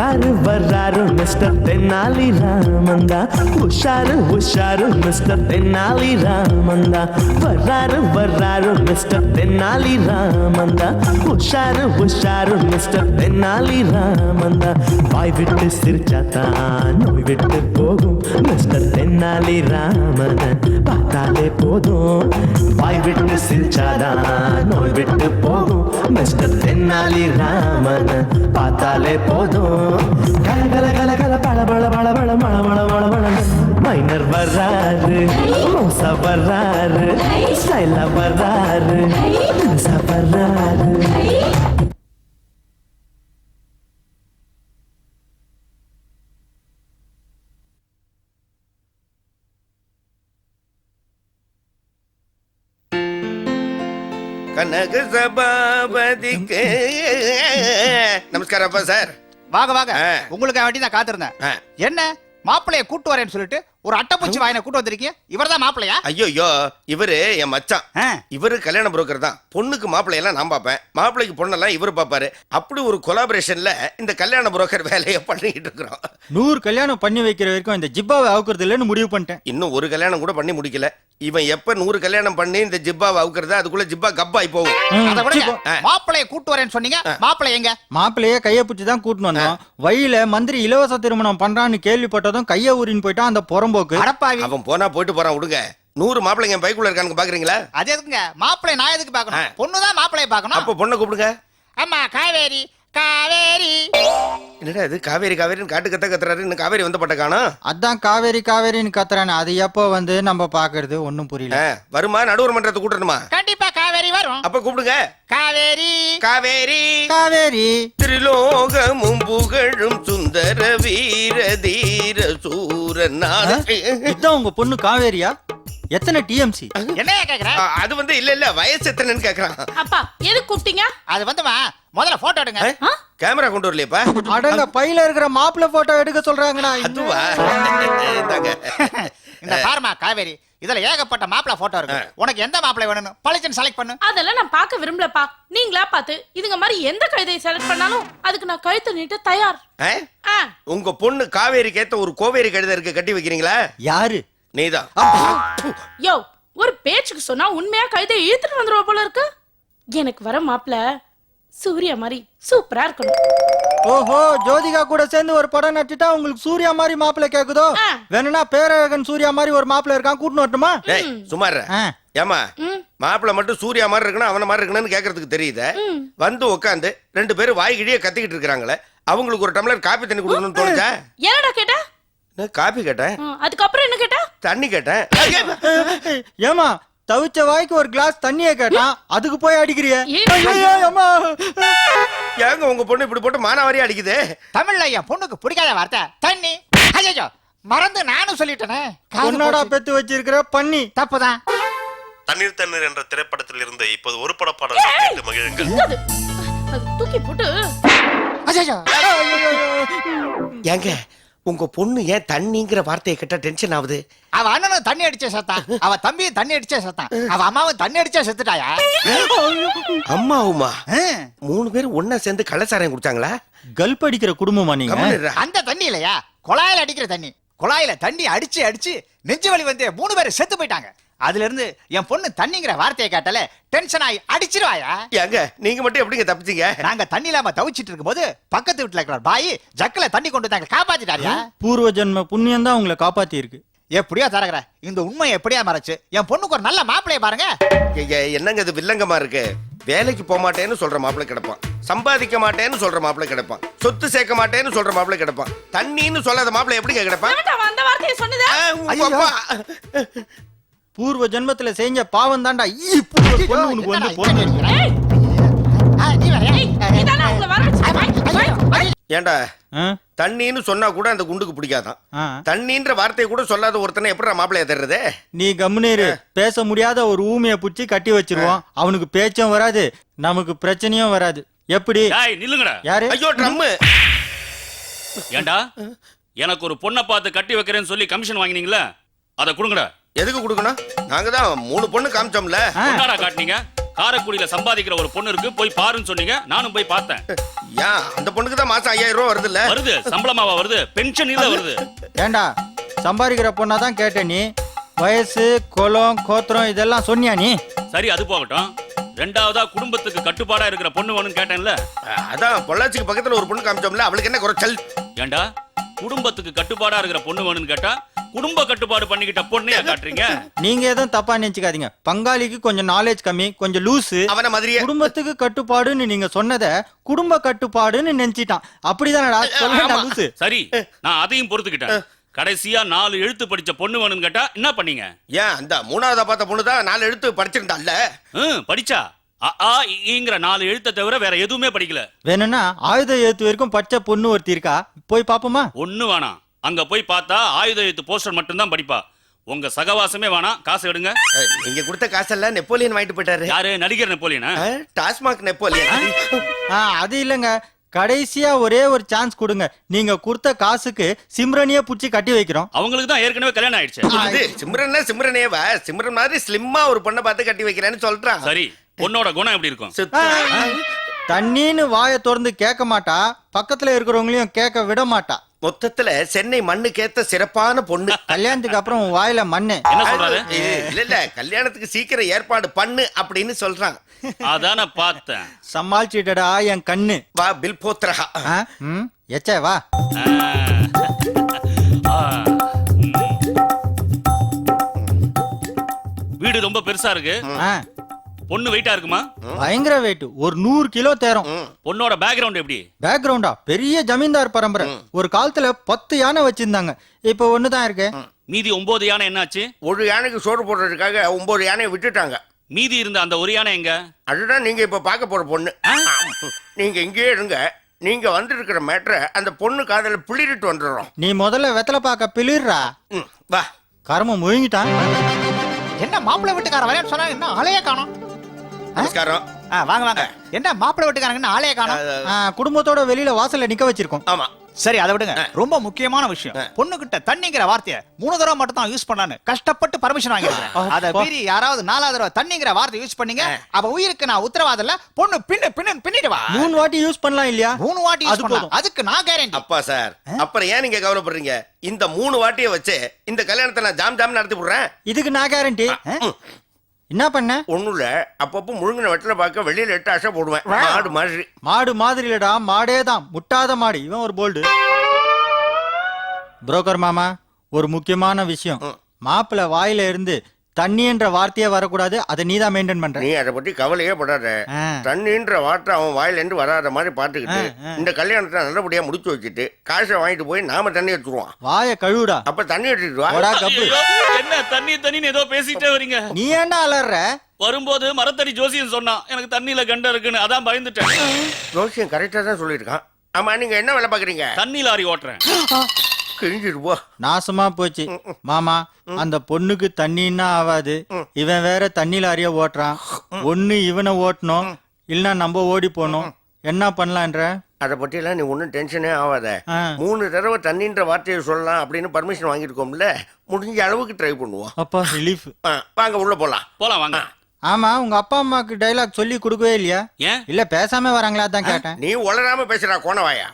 வர்றாரு வர்றாரு மிஸ்டர் தென்னாலி ராமந்தா, உஷாரு உஷாரு மிஸ்டர் தென்னாலி ராமந்தா. வர்றாரு வர்றாரு மிஸ்டர் தென்னாலி ராமந்தா, உஷாரு உஷாரு மிஸ்டர் தென்னாலி ராமந்தா. வாய் விட்டு சிரிச்சாத்தான் நோய் விட்டு போகும் மிஸ்டர் தென்னாலி ராமன் பார்த்தாலே போதும். வாய் விட்டு சிரிச்சாதான் நோய் விட்டு போகும் மிஸ்டர் தென்னாலி ராமன் பார்த்தாலே போதும். கல கல கல கல பழ பழ பழ பழ மழ மழ மழ மழ. மைனர் வர்றாரு, மோசா வர்றாரு, ஸ்டைலா வர்றாரு, மோசா வர்றாரு. கனக சபாபதிக்கு நமஸ்காரம் அப்பா சார். வாங்க வாங்க, உங்களுக்கு வேண்டி நான் காத்திருந்தேன். என்ன மாப்பிளைய கூட்டு வரேன்னு சொல்லிட்டு ஒரு அட்டைப்பூச்சி வாயினை கூட்டு வந்திருக்கீங்க? இவர்தான் மாப்பிளையா? ஐயோ இவரு என் மச்சான். இவரு கல்யாண புரோக்கர் தான். பொண்ணுக்கு மாப்பிள்ளையெல்லாம் நான் பாப்பேன், மாப்பிள்ளைக்கு பொண்ணெல்லாம் இவரு பாப்பாரு. அப்படி ஒரு கொலாபரேஷன்ல இந்த கல்யாண புரோக்கர் வேலையை பண்ணிக்கிட்டு இருக்கிறோம். 100 கல்யாணம் பண்ணி வைக்கிற வரைக்கும் இந்த ஜிப்பாவை அவுக்குறது இல்லைன்னு முடிவு பண்ணிட்டேன். இன்னும் ஒரு கல்யாணம் கூட பண்ணி முடிக்கல. இவன் எப்ப 100 கல்யாணம் பண்ணி இந்த ஜிப்பாவை அவுக்குறதா அதுக்குள்ள ஜிப்பா கப்பாய் போகும். மாப்பிளைய கூட்டு வரேன்னு சொன்னீங்க, மாப்பிள்ளை எங்க? மாப்பிள்ளைய கைய பிடிச்சி தான் கூட்டின்னு வந்தோம். வழியில மந்திரி இலவச திருமணம் பண்றான்னு கேள்விப்பட்டதும் கைய ஊறின்னு போயிட்டான் அந்த புறம்போக்கு. அவன் போனா போயிட்டு போறான், விடுங்க. 100 மாப்பிள்ளைங்க பைக்குள்ள இருக்கானுங்க, பாக்குறீங்களா? அது எதுக்குங்க மாப்பிள்ளை நான் எதுக்கு பாக்கணும்? பொண்ணுதான் மாப்பிளைய பாக்கணும். அப்ப பொண்ணை கூப்பிடுங்க. அம்மா காவேரி காவேரி. என்னடா இது காவேரி காவேரின்னு காட்டு கத்த கத்துறாரு, இன்னும் காவேரி வந்த பட்ட காணோம். அதான் காவேரி காவேரின்னு கத்துறானே, அது எப்போ வந்து நம்ம பாக்குறது ஒன்னும் புரியல. வருமா? நடுவர் மன்றத்தை கூட்டணுமா? கண்டிப்பா காவேரி வரும். அப்ப கூப்பிடுங்க. காவேரி காவேரி காவேரி. திரிலோகமும் புகழும் சுந்தர வீர தீர சூரன். இதான் உங்க பொண்ணு காவேரியா? எத்தனை டிஎம்சி? என்னையா கேக்குற? அது வந்து இல்ல வயசு எத்தனைன்னு கேக்குறான். அப்பா எதுக்கு கூப்பிட்டீங்க? அது வந்துமா முதல்ல போட்டோ எடுங்க. கேமரா கொண்டு வரலையப்பா? அடங்க பையில இருக்கிற மாப்பிள்ளை போட்டோ எடுக்க சொல்றாங்கண்ணா. அதுவா? இந்த பாருமா காவேரி, இதுல ஏகப்பட்ட மாப்பிள்ளை போட்டோ இருக்கு. உனக்கு எந்த மாப்பிள்ளை வேணும் பளிச்சுன்னு செலக்ட் பண்ணு. அதெல்லாம் நான் பார்க்க விரும்பலப்பா. நீங்களா பார்த்து இதுங்க மாதிரி எந்த கழுதையை செலக்ட் பண்ணாலும் அதுக்கு நான் கழுத்து நீட்ட தயார். உங்க பொண்ணு காவேரிக்கு ஏத்த ஒரு கோவேரி கழுதை இருக்கு, கட்டி வைக்கிறீங்களா? யாரு? நீதான். யோ, ஒரு பேச்சுக்கு சொன்னா உண்மையா கழுதையை இழுத்துட்டு வந்துருவா போல இருக்கு. எனக்கு வர மாப்பிள்ள சூர்யா மாதிரி சூப்பரா இருக்கணும். ஓஹோ, ஜோதிகா கூட சேர்ந்து ஒரு படம் நட்டுட்டா உங்களுக்கு சூர்யா மாதிரி மாப்பிள்ளை கேக்குதோ? வேணும்னா பேரழகன் சூர்யா மாதிரி ஒரு மாப்பிள்ளை இருக்கான், கூட்டின்னு வரட்டுமா? சுமார் ஏமா மாப்பிள்ளை மட்டும் சூர்யா மாதிரி இருக்கணும் அவன மாதிரி இருக்கணும்னு கேக்குறதுக்கு தெரியுது. வந்து உட்காந்து 2 பேரும் வாய் கிழிய கத்திக்கிட்டு இருக்காங்களே, அவங்களுக்கு ஒரு டம்ளர் காபி தண்ணி கொடுக்கணும்னு தோணுச்சா? என்னடா கேட்டா? காபி கேட்டேன். அதுக்கப்புறம் என்ன கேட்டா? தண்ணி கேட்டேன். ஏமா தவிச்ச வாய்க்கு ஒரு கிளாஸ் தண்ணிய கேட்டான், அதுக்கு போய் அடிக்கிறிய? ஏங்க உங்க பொண்ணு இப்படி போட்டு மானாவாரியா அடிக்குது? தமிழ்ல என் பொண்ணுக்கு பிடிக்காத வார்த்தை தண்ணி. ஐயோ மறந்து நானும் சொல்லிட்டேனே. பொண்ணோட பெத்து வச்சிருக்கிற பண்ணி தப்புதான். தண்ணீர் தண்ணீர் என்ற திரைப்படத்தில் இருந்து இப்போது ஒரு பட பாடல் கேட்டு மகிழுங்கள். தூக்கி போட்டு. ஏங்க உங்க பொண்ணு ஏன் தண்ணிங்கிற வார்த்தையை கேட்டா டென்ஷன் ஆகுது? அவ அண்ணனும் தண்ணி அடிச்சே செத்தான், அவ தம்பியும் தண்ணி அடிச்சே செத்தான், அவ அம்மாவும் தண்ணி அடிச்சே செத்துட்டாயா? அம்மாவுமா 3 பேரும் ஒன்னா சேர்ந்து கள்ளச்சாராயம் குடிச்சாங்களா? கல்ப் அடிக்கிற குடும்பமா நீங்க? அந்த தண்ணி இல்லையா, குழாயில அடிக்கிற தண்ணி. குழாயில தண்ணி அடிச்சு அடிச்சு நெஞ்சு வலி வந்து 3 பேரும் செத்து போயிட்டாங்க. அதுல இருந்து என் பொண்ணு தண்ணிங்கிற வார்த்தையை கேட்டால டென்ஷன் ஆகி அடிச்சிருவாயா? ஏங்க நீங்க மட்டும் எப்படிங்க தப்பிச்சீங்க? நாங்க தண்ணி இல்லாம தவிச்சிட்டு இருக்கும்போது பக்கத்து வீட்டுல இருக்கிற பாய் ஜக்கல தண்ணி கொண்டு வந்தாங்க, காப்பாத்திட்டாரியா? பூர்வ ஜென்ம புண்ணியம் தான் உங்களை காப்பாத்தி இருக்கு. எப்படியோ தரகற இந்த உண்மை எப்படியா மறைச்சு என் பொண்ணுக்கு ஒரு நல்ல மாப்பிளைய பாருங்க. என்னங்க இது வில்லங்கமா இருக்கு? வேலைக்கு போக மாட்டேன்னு சொல்ற மாப்பிள்ளை கிடப்பான், சம்பாதிக்க மாட்டேன்னு சொல்ற மாப்பிள்ளை கிடப்பான், சொத்து சேர்க்க மாட்டேன்னு சொல்ற மாப்பிள்ளை கிடப்பான், தண்ணின்னு சொல்லாத மாப்பிள்ளை எப்படிங்க கிடப்பான்? அந்த வார்த்தையை சொன்னதா? பூர்வ ஜென்மத்துல செஞ்ச பாவம் தான்டா. ஏண்டா தண்ணின்னு சொன்னா கூட அந்த குண்டுக்கு பிடிக்காதான். தண்ணின்ற வார்த்தையை கூட சொல்லாத ஒருத்தனை எப்படி மாப்பிள்ளைய தர்றது? நீ கம்முனேரு. பேச முடியாத ஒரு ஊமைய புடிச்சு கட்டி வச்சிருவோம், அவனுக்கு பேச்சும் வராது, நமக்கு பிரச்சனையும் வராது. எப்படி? நில்லுங்கடா. யாரு? ஐயோ ட்ரம். ஏண்டா எனக்கு ஒரு பொண்ணை பார்த்து கட்டி வைக்கிறேன்னு சொல்லி கமிஷன் வாங்கினீங்களா? அதை கொடுங்கடா. எதுக்கு கொடுக்கணும்? நாங்க தான் 3 பொண்ணு காமிச்சோம்ல. என்னடா காட்டுனீங்க? காரைக்குடியில சம்பாதிக்கிற ஒரு பொண்ணு இருக்கு, போய் பாருன்னு சொன்னீங்க. நானும் போய் பார்த்தேன். ஏன் அந்த பொண்ணுக்கு தான் மாசம் 5000 ரூபாய் வருது இல்ல? வருது, சம்பளமாவா வருது? பென்ஷன் இல்ல வருது. ஏண்டா சம்பாதிக்கிற பொண்ணா தான் கேட்ட நீ, வயசு குலம் கோத்திரம் இதெல்லாம் சொன்னியா நீ? சரி, அது போகட்டும். ரெண்டாவதா குடும்பத்துக்கு கட்டுப்பாடா இருக்கிற பொண்ணு வேணும்னு கேட்டேன்ல. அதான் பொள்ளாச்சிக்கு பக்கத்துல ஒரு பொண்ணு காமிச்சோம்ல, அவளுக்கு என்ன குறைச்சல்? ஏண்டா குடும்பத்துக்கு கட்டுப்பாடா இருக்கிற பொண்ணு வேணும்னு கேட்டா குடும்ப கட்டுப்பாடு பண்ணிக்கிட்ட பொண்ணையா காட்டுறீங்க? நீங்க எதுவும் தப்பா நினைச்சுக்காதீங்க. பங்காளிக்கு கொஞ்சம் நாலேஜ் கம்மி, கொஞ்சம் லூசு. அவன மாதிரியே குடும்பத்துக்கு கட்டுப்பாடுன்னு நீங்க சொன்னத குடும்ப கட்டுப்பாடுன்னு நினைச்சிட்டான். அப்படிதானடா சொல்ல லூசு. சரி, நான் அதையும் பொறுத்துக்கிட்டேன். கடைசியா 4 எழுத்து படிச்ச பொண்ணு வேணும்னு கேட்டா என்ன பண்ணீங்க? ஏன் அந்த மூணாவதா பார்த்த பொண்ணு தான் 4 எழுத்து படிச்சிருந்தாள்ல? படிச்சா ங்கிற 4 எழுத்தை தவிர வேற எதுவுமே படிக்கல. வேணும்னா ஆயுத எழுத்து வரைக்கும் படிச்ச பொண்ணு ஒருத்தி இருக்கா, போய் பாப்போமா? ஒண்ணு வேணாம். அங்க போய் பார்த்தா ஆயுத எழுத்து போஸ்டர் மட்டும் தான் படிப்பா. உங்க சகவாசமே வேணாம், காசு எடுங்க. நீங்க கொடுத்த காசெல்லாம் நெப்போலியன் வாங்கிட்டு போயிட்டாரு. யாரு? நடிகர் நெப்போலியனா? டாஸ்மாக் நெப்போலியன். அது இல்லங்க, கடைசியா ஒரே ஒரு சான்ஸ் கொடுங்க. நீங்க கொடுத்த காசுக்கு சிம்ரனியே புடிச்சு கட்டி வைக்கிறோம். அவங்களுக்கு தான் ஏற்கனவே கல்யாணம் ஆயிடுச்சு. இது சிம்ரனேவா? சிம்ரன் மாதிரி ஸ்லிம்மா ஒரு பொண்ணை பார்த்து கட்டி வைக்கிறேன்னு சொல்றான். சரி, பொண்ணோட குணம் எப்படி இருக்கும்? தண்ணின்னு வாயை திறந்து கேட்க மாட்டா, பக்கத்துல இருக்கிறவங்களையும் கேட்க விட மாட்டா. மொத்தத்துல சென்னை மண்ணுக்கேத்த சிறப்பான பொண்ணு. கல்யாணத்துக்கு அப்புறம் உன் வாயில மண்ணு. என்ன சொல்றாரு? இல்ல கல்யாணத்துக்கு சீக்கிரம் ஏற்பாடு பண்ணு அப்படின்னு சொல்றான். அதான பார்த்தேன். சமாளிச்சுட்டடா என் கண்ணு. வா பில் போத்ரஹா. எச்சே வா. வீடு ரொம்ப பெருசா இருக்கு. பொண்ணு வெயிட்டா இருக்குமா? பயங்கர வெயிட், ஒரு 100 கிலோ தேரும். பொண்ணோட பேக்ரவுண்ட் எப்படி? பேக்ரவுண்டா பெரிய ஜமீன்தார் பரம்பரை. ஒரு காலத்துல 10 யானை வச்சிருந்தாங்க, இப்ப ஒண்ணுதான் இருக்கு. மீதி 9 யானை என்னாச்சு? ஒரு யானைக்கு சோறு போடுறதுக்காக 9 யானையை விட்டுட்டாங்க. மீதி இருந்த அந்த ஒரு யானை எங்க? அதுதான் நீங்க இப்ப பார்க்க போற பொண்ணு. நீங்க இங்கேயே இருங்க. நீங்க வந்திருக்கிற மேட்டரை அந்த பொண்ணு காதல பிளிரிட்டு வந்துடுறோம். நீ முதல்ல வெத்தலை பார்க்க பிளிர்றா. வா. கர்மம் முழுங்கிட்டான். என்ன மாப்பிள்ளை வீட்டுக்கார வரேன்னு சொன்னா என்ன ஆளையே காணோம்? நமஸ்காரம். வாங்க வாங்க. என்ன மாப்பிள்ளை வீட்டுக்காரங்க ஆளையே காணோம்? குடும்பத்தோட வெளியில வாசல்ல நிக்க வச்சிருக்கோம். ஆமா. சரி, அதை விடுங்க. ரொம்ப முக்கியமான விஷயம், பொண்ணு கிட்ட தண்ணிங்கிற வார்த்தையை 3 தடவை மட்டும் தான் யூஸ் பண்ணான்னு கஷ்டப்பட்டு பர்மிஷன் வாங்கிருக்கேன். அத மீறி யாராவது 4வது தடவை தண்ணிங்கிற வார்த்தை யூஸ் பண்ணீங்க, அவ உயிருக்கு நான் உத்தரவாதம் இல்ல. பொண்ணு பின்னிடுவா. 3 வாட்டி யூஸ் பண்ணலாம் இல்லையா? 3 வாட்டி யூஸ் பண்ணலாம், அதுக்கு நான் கேரண்டி. அப்பா சார், அப்புறம் ஏன் நீங்க கவலைப்படுறீங்க? இந்த 3 வாட்டியை வச்சு இந்த கல்யாணத்தை நான் ஜாம் நடத்தி போடுறேன். இதுக்கு நான் கேரண்டி. என்ன பண்ண? ஒண்ணுல அப்பப்போ முழுங்கின வெட்டில பார்க்க வெளியில 8 ஆசை போடுவேன். மாடு மாதிரி. மாடு மாதிரி இல்லடா, மாடே தான். முட்டாத மாடு. இவன் ஒரு போல்டு. புரோக்கர் மாமா, ஒரு முக்கியமான விஷயம். மாப்பிள்ள வாயில இருந்து தண்ணின்ற வார்த்தையே வரக்கூடாது. அதை நீதான் மெயின்டைன் பண்ற. நீ அதை பத்தி கவலையே படாத. தண்ணின்ற வார்த்தை அவன் வாயில இருந்து வராத மாதிரி பாத்துக்கிட்டு இந்த கல்யாணத்தை நல்லபடியா முடிச்சு வச்சுட்டு காசை வாங்கிட்டு போய் நாம தண்ணி எடுத்துருவோம். வாய கழுவுடா. அப்ப தண்ணி எடுத்துட்டு வா. என்ன தண்ணின்னு ஏதோ பேசிட்டே வரீங்க? நீ ஏன்டா அலற? வரும்போது மரத்தடி ஜோசியம் சொன்னான், எனக்கு தண்ணியில கண்ட இருக்குன்னு, அதான் பயந்துட்டேன். ஜோசியம் கரெக்டா தான் சொல்லியிருக்கான். ஆமா, நீங்க என்ன வேலை பாக்குறீங்க? தண்ணி லாரி ஓட்டுறேன். நாசமா போச்சு மாமா. அந்த பொண்ணுக்கு தண்ணின்னா ஆவாது. இவன் வேற தண்ணி லாரிய ஓட்டுறான். ஒண்ணு இவனை ஓட்டணும், இல்லன்னா நம்ம ஓடி போனோம். என்ன பண்ணலான்ற? அதை பத்தி எல்லாம் நீ ஒன்னும் டென்ஷனே ஆகாத. 3 தடவை தண்ணின்ற வார்த்தையை சொல்லலாம் அப்படின்னு பர்மிஷன் வாங்கிருக்கோம்ல, முடிஞ்ச அளவுக்கு ட்ரை பண்ணுவோம். அப்பா ரிலீஃப். வாங்க உள்ள போலாம். வாங்க. ஆமா, உங்க அப்பா அம்மாக்கு டைலாக் சொல்லி கொடுக்கவே இல்லையா? ஏன் இல்ல பேசாம வராங்களா தான் கேட்டேன். நீ உளராம பேசுறா கோணவாயா.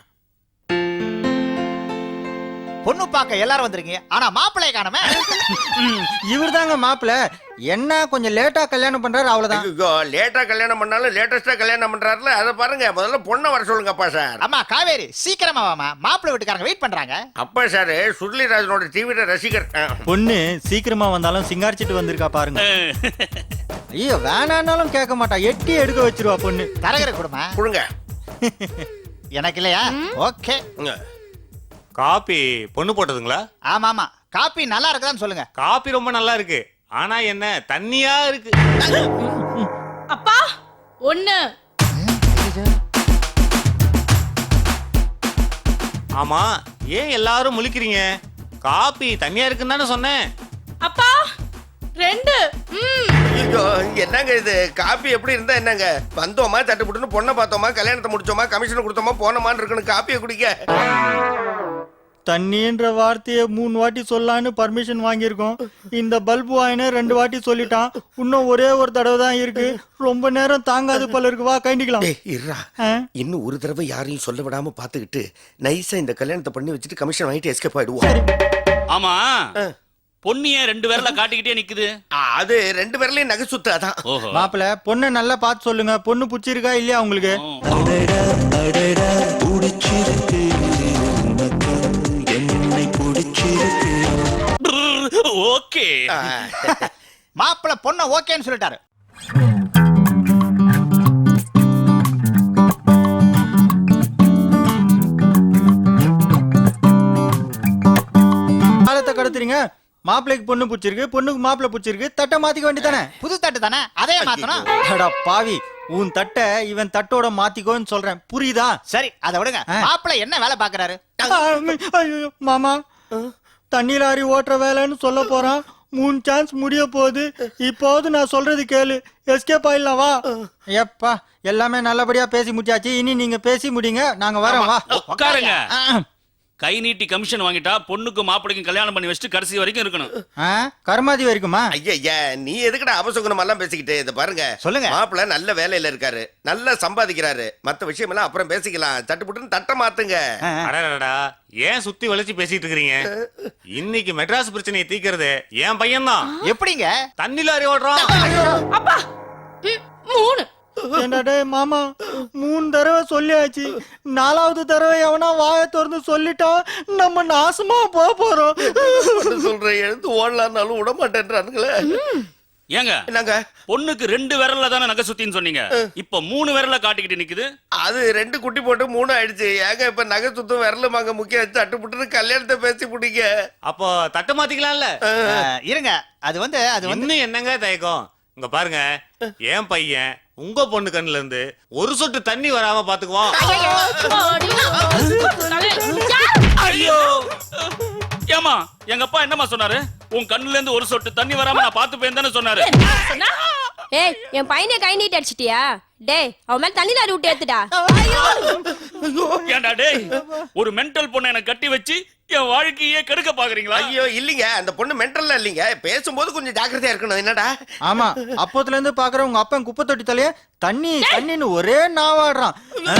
பொண்ணு பார்க்க எல்லாரும் வந்திருக்கீங்க, ஆனா மாப்பிள்ளைய காணோமே. இவர் தாங்க மாப்பிள்ள. என்ன கொஞ்சம் லேட்டா கல்யாணம் பண்றாரு, அவ்வளவுதான். லேட்டா கல்யாணம் பண்ணாலும் லேட்டஸ்டா கல்யாணம் பண்றாருல, அதை பாருங்க. முதல்ல பொண்ணை வர சொல்லுங்க அப்பா சார். அம்மா காவேரி, சீக்கிரமா வாமா, மாப்பிள்ளை வீட்டுக்காரங்க வெயிட் பண்றாங்க. அப்பா சார் சுருளிராஜனோட டிவில ரசிகர். பொண்ணு சீக்கிரமா வந்தாலும் சிங்காரிச்சிட்டு வந்திருக்கா பாருங்க. ஐயோ, வேணான்னாலும் கேட்க மாட்டா, எட்டி எடுக்க வச்சிருவா பொண்ணு. தரகர கொடுமா கொடுங்க. எனக்கு இல்லையா? ஓகே. காபி பொண்ணு போட்டதுங்களா? ஆமா ஆமா. காபி நல்லா இருக்குதான்னு சொல்லுங்க. காபி ரொம்ப நல்லா இருக்கு, ஆனா என்ன தண்ணியா இருக்கு. அப்பா ஒண்ணு. ஆமா, ஏன் எல்லாரும் முழிக்கிறீங்க? காபி தண்ணியா இருக்குன்னு தானே சொன்னேன். அப்பா 2. என்னங்க இது? காப்பி எப்படி இருந்தா என்னங்க? வந்தோமா, தட்டுப்புட்டுன்னு பொண்ணை பார்த்தோமா, கல்யாணத்தை முடிச்சோமா, கமிஷன் கொடுத்தோமா, போனோமான்னு இருக்கணும். காப்பியை குடிக்க தண்ணின்ற வார்த்தையை 3 வாட்டி சொல்லலான்னு பர்மிஷன் வாங்கியிருக்கோம். இந்த பல்பு வாயினே 2 வாட்டி சொல்லிட்டான். இன்னும் ஒரே ஒரு தடவை தான் இருக்கு. ரொம்ப நேரம் தாங்காது போல இருக்கு. வா கைண்டிக்கலாம். டேய் இருடா. இன்னும் ஒரு தடவை யாரையும் சொல்ல விடாம பாத்துக்கிட்டு நைஸா இந்த கல்யாணத்தை பண்ணி வச்சுட்டு கமிஷன் வாங்கிட்டு எஸ்கேப் ஆயிடுவோம். ஆமா பொண்ணிய 2 பேர்ல காட்டிக்கிட்டே நிக்குது. அது 2 பேர்லயும் நகை சுத்து அதான். ஓஹோ. மாப்பிள பொண்ணை நல்லா பார்த்து சொல்லுங்க. பொண்ணு பிடிச்சிருக்கா இல்லையா உங்களுக்கு? ஓகே. மாப்பிள்ள பொண்ண ஓகேன்னு சொல்லிட்டாரு. காலத்தை கடத்துறீங்க. மாப்பிள்ளைக்கு பொண்ணு பிடிச்சிருக்கு, பொண்ணுக்கு மாப்பிள்ளை பிடிச்சிருக்கு. தட்டை மாத்திக்க வேண்டியதானே? புது தட்டு தானே, அதே மாத்தணும். அடா பாவி, உன் தட்டை இவன் தட்டோட மாத்திக்கோன்னு சொல்றேன். புரியுதா? சரி அதை விடுங்க. மாப்பிள்ள என்ன வேலை பாக்குறாரு? ஐயோ மாமா, தண்ணி லாரி ஓட்டுற வேலைன்னு சொல்ல போறான். 3 சான்ஸ் முடிய போகுது. இப்போது நான் சொல்றது கேளு. எஸ்கேப் ஆயிடலாம் வா. எப்பா எல்லாமே நல்லபடியா பேசி முடிச்சாச்சு. இனி நீங்க பேசி முடிங்க, நாங்க வரோம். வா உட்காருங்க. கை நீட்டி கமிஷன் வாங்கிட்டா பொண்ணுக்கும் மாப்பிளைக்கும் கல்யாணம் பண்ணி வச்சுட்டு கடைசி வரைக்கும் இருக்கணும். கர்மாதி வரைக்குமா? ஐயா நீ எதுக்குடா அவசகுணம் எல்லாம் பேசிக்கிட்டு? இத பாருங்க, சொல்லுங்க. மாப்பிள்ள நல்ல வேலையில இருக்காரு, நல்லா சம்பாதிக்கிறாரு. மத்த விஷயம் எல்லாம் அப்புறம் பேசிக்கலாம். தட்டுப்புட்டுன்னு தட்ட மாத்துங்க. அடடா, ஏன் சுத்தி வளைச்சு பேசிட்டு இருக்கீங்க? இன்னைக்கு மெட்ராஸ் பிரச்சனையை தீக்கிறது என் பையன் தான். எப்படிங்க? தண்ணி லாரி ஓடுறான். அப்பா 3 என்னடே மாமா, 3 தடவை சொல்லியாச்சு. 4வது தடவை எவனா வாயை திறந்து சொல்லிட்டா நம்ம நாசமா போறோம். சொல்றேன், எழுந்து ஓடலான்னாலும் விட மாட்டேன்றானுங்களே. ஏங்க என்னங்க, பொண்ணுக்கு 2 விரல்ல தானே நகை சுத்தின்னு சொன்னீங்க. இப்ப 3 விரல்ல காட்டிக்கிட்டு நிக்குது. அது 2 குட்டி போட்டு 3 ஆயிடுச்சு. ஏங்க இப்ப நகை சுத்தம் விரலுமாங்க முக்கியம். தட்டுப்புட்டுன்னு கல்யாணத்தை பேசி பிடிங்க. அப்போ தட்டை மாத்திக்கலாம்ல. இருங்க, அது வந்து இன்னும் என்னங்க தயக்கம்? இங்க பாருங்க, என் பையன் உங்க பொண்ணு கண்ணுல இருந்து ஒரு சொட்டு தண்ணி வராம பாத்துக்குவான். ஐயோ ஏமா, எங்க அப்பா என்னமா சொன்னாரு? உன் கண்ணுல இருந்து ஒரு சொட்டு தண்ணி வராம நான் பாத்து போயிருந்தேன்னு சொன்னாரு. ஏய், என் பையனை கை நீட்டி அடிச்சிட்டியா? டேய், அவன் மேல தண்ணி லாரி விட்டு ஏத்துடா. ஏண்டா டேய், ஒரு மென்டல் பொண்ணை எனக்கு கட்டி வச்சு என் வாழ்க்கையே கெடுக்க பாக்குறீங்களா? ஐயோ இல்லீங்க, அந்த பொண்ணு மென்டல்ல இல்லீங்க. பேசும்போது கொஞ்சம் ஜாக்கிரதையா இருக்கணும். என்னடா? ஆமா, அப்போத்துல இருந்து பாக்குற உங்க அப்பன் குப்பை தொட்டி தலைய தண்ணி தண்ணின்னு ஒரே நாவாடுறான்.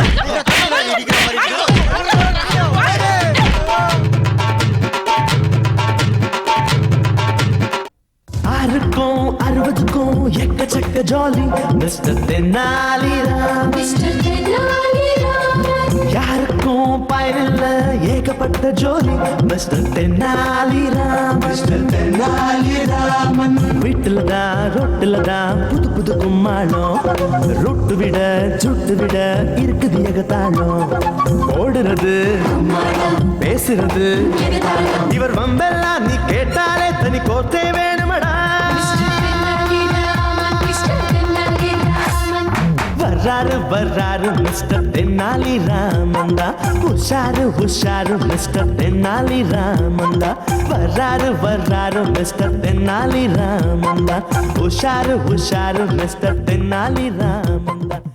ஆறுக்கும் 60க்கும் எக்கச்சக்க ஜாலி மிஸ்டர் தென்னாலிராம். யாருக்கும் பயனில்ல ஏகப்பட்ட ஜோலி மிஸ்டர் தென்னாலிராம். மிஸ்டர் தென்னாலிராமன் வீட்டுல தான் ரொட்டுல தான் புது புது கும்மாளம். ரொட்டு விட சுட்டு விட இருக்குது ஏகத்தாளம். ஓடுறது பேசுறது இவர் வம்பெல்லாம் நீ கேட்டாலே தனி கோத்தே வேணுமடா. வர்றாரு மிஸ்டர் தென்னாலி ராமந்தா. உஷாரு மிஸ்டர் தென்னாலி ராமந்தா. வர்றாரு மிஸ்டர் தென்னாலி ராமந்தா. உஷாரு மிஸ்டர் தென்னாலி ராமந்தா.